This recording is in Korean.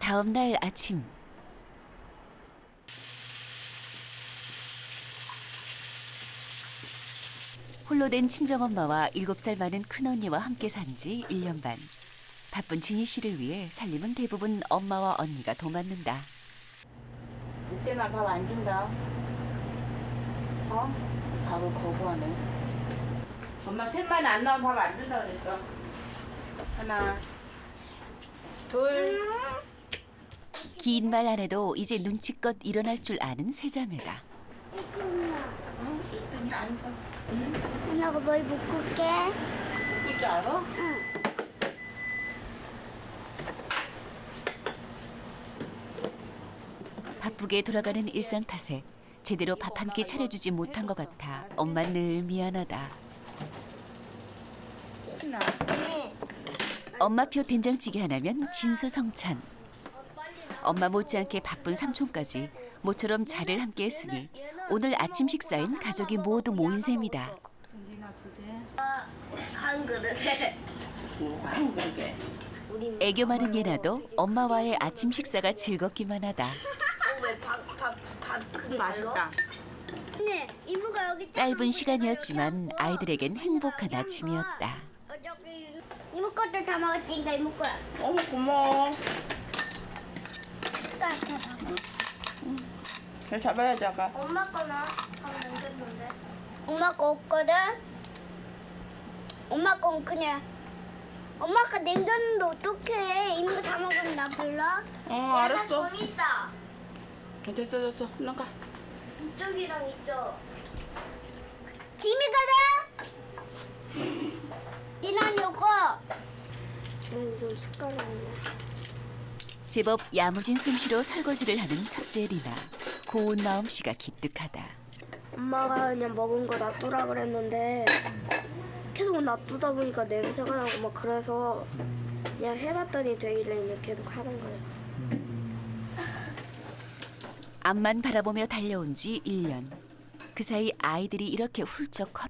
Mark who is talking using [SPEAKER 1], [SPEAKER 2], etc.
[SPEAKER 1] 다음 날 아침. 홀로 된 친정엄마와 7살 많은 큰언니와 함께 산 지 1년 반. 바쁜 진희 씨를 위해 살림은 대부분 엄마와 언니가 도맡는다.
[SPEAKER 2] 늦게나 밥 안 준다. 어? 밥을 거부하네. 엄마 셋만 안 나오면 밥 안 준다 그랬어. 하나, 둘.
[SPEAKER 1] 긴 말 안 해도 이제 눈치껏 일어날 줄 아는 세자매다.
[SPEAKER 2] 이등이 앉아.
[SPEAKER 3] 엄마가 머리 묶을게.
[SPEAKER 2] 묶을 줄 알아?
[SPEAKER 3] 응.
[SPEAKER 1] 바쁘게 돌아가는 일상 탓에 제대로 밥 한 끼 차려주지 못한 것 같아 엄마 늘 미안하다.
[SPEAKER 2] 하나.
[SPEAKER 1] 엄마표 된장찌개 하나면 진수성찬. 엄마 못지않게 바쁜 삼촌까지 모처럼 자리를 함께 했으니 오늘 아침 식사엔 가족이 모두 모인 셈이다.
[SPEAKER 2] 니나 두 개.
[SPEAKER 3] 한 그릇에.
[SPEAKER 2] 한 그릇에.
[SPEAKER 1] 애교 많은 예나도 엄마와의 아침 식사가 즐겁기만 하다.
[SPEAKER 3] 왜밥그
[SPEAKER 2] 맛있다.
[SPEAKER 3] 네, 이모가 여기
[SPEAKER 1] 짧은 시간이었지만 아이들에겐 행복한 아침이었다.
[SPEAKER 3] 저기 이모 것도 다 먹었으니까 이모 거야.
[SPEAKER 2] 어머 고마워. 잘 잡아야지 아까.
[SPEAKER 3] 엄마 거는 다 남겼는데. 엄마 거 없거든. 엄마 건 그냥. 엄마 거 냉장인데 어떡해? 이모 다 먹으면 나 불러.
[SPEAKER 2] 알았어.
[SPEAKER 3] 돈 있다.
[SPEAKER 2] 됐어. 나가.
[SPEAKER 3] 이쪽이랑 이쪽. 짐이 가자. 이난 요거. 좀 숟가락 없네.
[SPEAKER 1] 제법 야무진 솜씨로 설거지를 하는 첫째 리나. 고운 마음씨가 기특하다.
[SPEAKER 4] 엄마가 그냥 먹은 거 놔두라 그랬는데 계속 놔두다 보니까 냄새가 나고 막 그래서 그냥 해봤더니 되길래 그냥 계속 하는 거예요.
[SPEAKER 1] 앞만 바라보며 달려온 지 1년. 그 사이 아이들이 이렇게 훌쩍